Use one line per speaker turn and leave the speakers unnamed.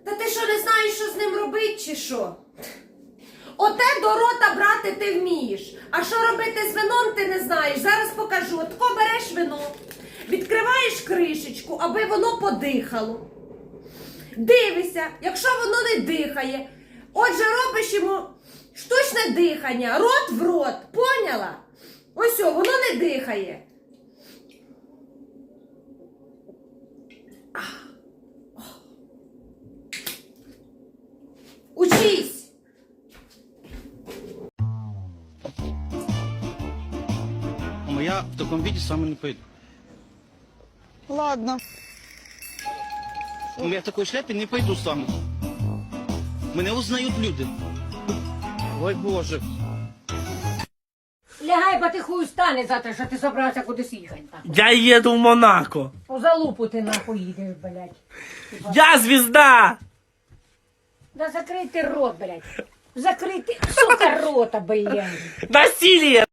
Та ти що, не знаєш, що з ним робити, чи що? Оте до рота брати ти вмієш. А що робити з вином, ти не знаєш. Зараз покажу. Отко береш вино, відкриваєш кришечку, аби воно подихало. Дивишся, якщо воно не дихає, отже, робиш йому штучне дихання, рот в рот, поняла? Ось о, воно не дихає. Учись!
Мама, я в такому віді з вами не поїду.
Ладно.
Я в такій шляпі не пойду з вами. Мене узнають люди. Ой, Боже.
Лягай, бо ти хуй стане завтра, що ти собрався кудись їхати.
Я еду в Монако.
У залупу ти нахуй їдеш, блядь.
Я звезда!
Да закрий ти рот, блядь. Закрий ти, сука, рота, блядь.
Насилие!